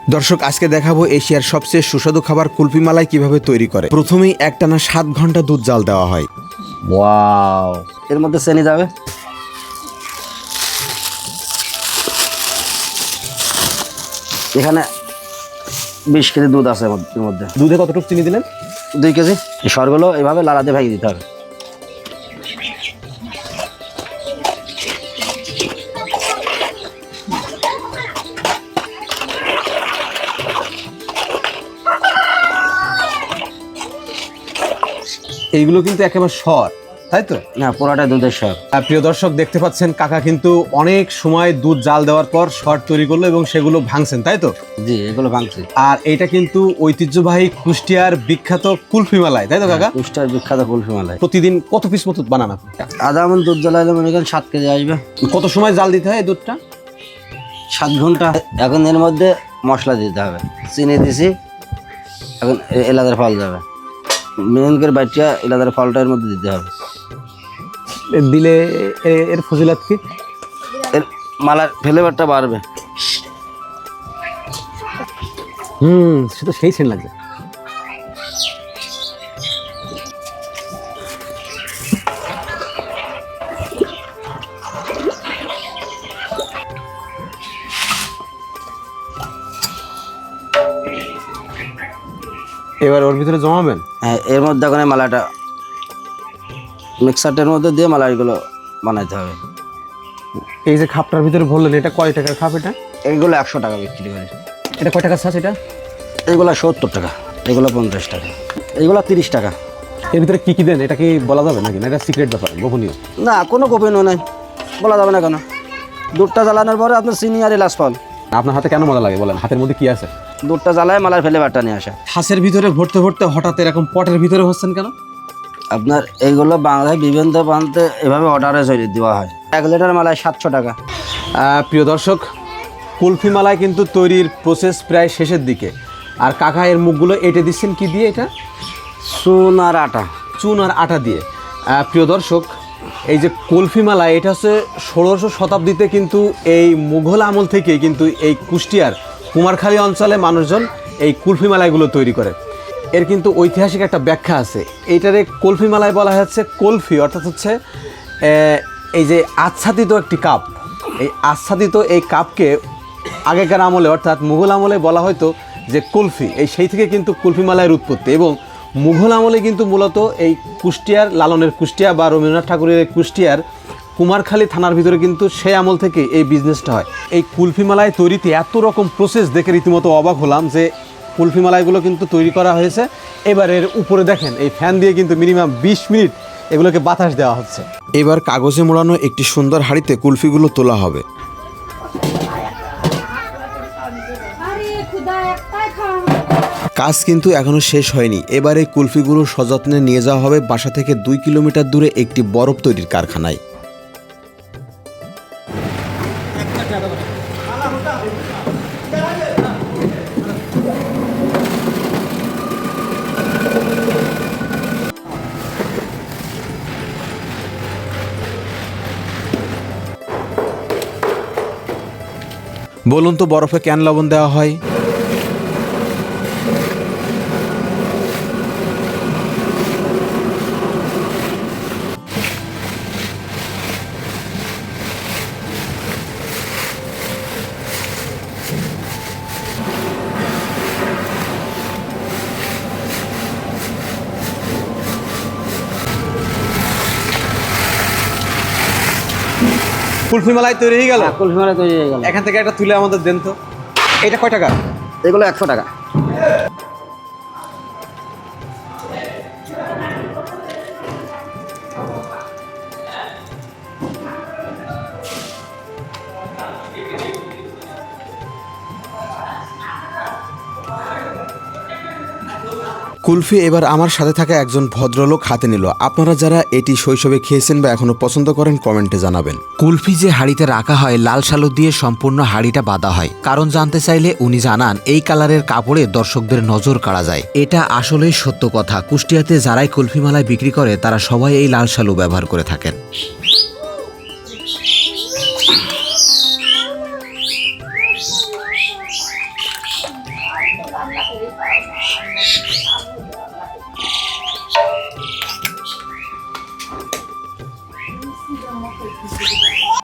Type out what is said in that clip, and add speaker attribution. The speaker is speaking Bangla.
Speaker 1: দর্শক আজকে দেখাবো এশিয়ার সবচেয়ে সুস্বাদু খাবার কুলফি মালাই কিভাবে তৈরি করে। প্রথমেই একটানা 7 ঘন্টা দুধ জাল দেওয়া হয়।
Speaker 2: ওয়াও, এর মধ্যে চিনি যাবে। এখানে 20 কেজি দুধ আছে এর মধ্যে।
Speaker 3: দুধে কতটুকু চিনি দিলেন?
Speaker 2: 2 কেজি। এই সরগুলো এভাবে লাড়া দিয়ে ভাঙিয়ে দিতে হবে।
Speaker 3: এইগুলো কিন্তু একেবারে সর, তাই তো?
Speaker 2: না, পুরোটা দুধের সর।
Speaker 3: প্রিয় দর্শক দেখতে পাচ্ছেন কাকা কিন্তু অনেক সময় দুধ জাল দেওয়ার পর সর তৈরি করলো এবং সেগুলো ভাঙছেন, তাই তো?
Speaker 2: জি, এগুলো ভাঙছি।
Speaker 3: আর এটা কিন্তু ঐতিহ্যবাহী কুষ্টিয়ার বিখ্যাত কুলফি মালাই, তাই তো কাকা?
Speaker 2: কুষ্টিয়ার বিখ্যাত কুলফি মালাই।
Speaker 3: প্রতিদিন কত পিস মতো বানান আপনি?
Speaker 2: আধা মণ দুধ জ্বালাইলে মনে করেন 7 কেজি আসবে।
Speaker 3: কত সময় জাল দিতে হয় এই দুধটা?
Speaker 2: 7 ঘন্টা। এখন এর মধ্যে মশলা দিতে হবে। চিনি দিছি, এখন এলাচের ফল যাবে। মেন করে বাইটা এলাচের ফলটা এর মধ্যে দিতে হবে।
Speaker 3: দিলে এর ফজিলত কি?
Speaker 2: এর মালার ফ্লেভারটা বাড়বে।
Speaker 3: সে তো সেই সেন্ট লাগছে। এবার ওর ভিতরে জমাবেন।
Speaker 2: হ্যাঁ, এর মধ্যে এখন এই মালাটা মিক্সারটার মধ্যে দিয়ে মালাইগুলো বানাইতে হবে।
Speaker 3: এই যে খাপটার ভিতরে বললেন, এটা কয় টাকার খাপ? এটা
Speaker 2: এইগুলো 100 টাকা বিক্রি করে।
Speaker 3: এটা কয় টাকার ছাঁচ? এটা
Speaker 2: এইগুলো 70 টাকা, এগুলো 50 টাকা, এইগুলো 30 টাকা।
Speaker 3: এর ভিতরে কি কি দেন এটা কি বলা যাবে নাকি? না এটা সিক্রেট ব্যাপার, গোপনীয়?
Speaker 2: না, কোনো গোপনীয় নাই, বলা যাবে না কেন। দুধটা জ্বালানোর পরে আপনার চিনি আর এলাচ ফল।
Speaker 3: আপনার হাতে কেন মজা লাগে বলেন? হাতের মধ্যে কি আছে?
Speaker 2: দুধটা জ্বালায় মালার ফ্লেভারটা নিয়ে আসে।
Speaker 3: হাঁসের ভিতরে ভরতে ভরতে হঠাৎ এরকম পটের ভিতরে হচ্ছেন কেন?
Speaker 2: আপনার এইগুলো বাংলায় বিভিন্ন প্রান্তে এভাবে অর্ডারে চলে দেওয়া হয়। 1 লিটার মালায় 700 টাকা।
Speaker 3: প্রিয় দর্শক, কুলফি মালাই কিন্তু তৈরির প্রসেস প্রায় শেষের দিকে। আর কাকা এর মুখগুলো এঁটে দিচ্ছেন কি দিয়ে? এটা
Speaker 2: চুন আর আটা।
Speaker 3: চুন আর আটা দিয়ে। প্রিয় দর্শক, এই যে কুলফি মালাই, এটা হচ্ছে 16শো শতাব্দীতে কিন্তু এই মুঘল আমল থেকেই কিন্তু এই কুষ্টিয়ার কুমারখালী অঞ্চলে মানুষজন এই কুলফি মালাইগুলো তৈরি করে। এর কিন্তু ঐতিহাসিক একটা ব্যাখ্যা আছে। এইটারে কুলফি মালাই বলা হচ্ছে কুলফি, অর্থাৎ হচ্ছে এই যে আচ্ছাদিত একটি কাপ। এই আচ্ছাদিত এই কাপকে আগেকার আমলে অর্থাৎ মুঘল আমলে বলা হয়তো যে কুলফি। এই সেই থেকে কিন্তু কুলফি মালাইয়ের উৎপত্তি। এবং মুঘল আমলে কিন্তু মূলত এই কুষ্টিয়ার লালনের কুষ্টিয়া বা রবীন্দ্রনাথ ঠাকুরের কুষ্টিয়ার কুমারখালী থানার ভিতরে কিন্তু সেই আমল থেকে এই বিজনেসটা হয়। এই কুলফি মালাই তৈরিতে এত রকম প্রসেস দেখে রীতিমতো অবাক হলাম যে কুলফি মালাইগুলো কিন্তু তৈরি করা হয়েছে। এবার এর উপরে দেখেন এই ফ্যান দিয়ে কিন্তু মিনিমাম 20 মিনিট এগুলোকে বাতাস দেওয়া হচ্ছে।
Speaker 1: এবার কাগজে মোড়ানো একটি সুন্দর হাঁড়িতে কুলফিগুলো তোলা হবে। কাজ কিন্তু এখনো শেষ হয়নি। এবার এই কুলফিগুলো সযত্নে নিয়ে যাওয়া হবে বাসা থেকে 2 কিলোমিটার দূরে একটি বরফ তৈরির কারখানায়। বলুন তো বরফে কেন লবণ দেওয়া হয়?
Speaker 3: কুলফি মালাই তৈরি হয়ে গেল।
Speaker 2: কুলফি মালাই তৈরি হয়ে গেল।
Speaker 3: এখান থেকে একটা তুলে আমাদের দেন তো। এটা কয় টাকা?
Speaker 2: এগুলো 100 টাকা।
Speaker 1: কুলফি এবার আমার সাথে থাকা একজন ভদ্রলোক হাতে নিল। আপনারা যারা এটি শৈশবে খেয়েছেন বা এখনো পছন্দ করেন কমেন্টে জানাবেন।
Speaker 4: কুলফি যে হাঁড়িতে রাখা হয় লাল শালু দিয়ে সম্পূর্ণ হাঁড়িটা বাঁধা হয়। কারণ জানতে চাইলে উনি জানান এই কালারের কাপড়ে দর্শকদের নজর কাড়া যায়। এটা আসলেই সত্য কথা। কুষ্টিয়াতে যারাই কুলফি মালাই বিক্রি করে তারা সবাই এই লাল শালু ব্যবহার করে থাকেন।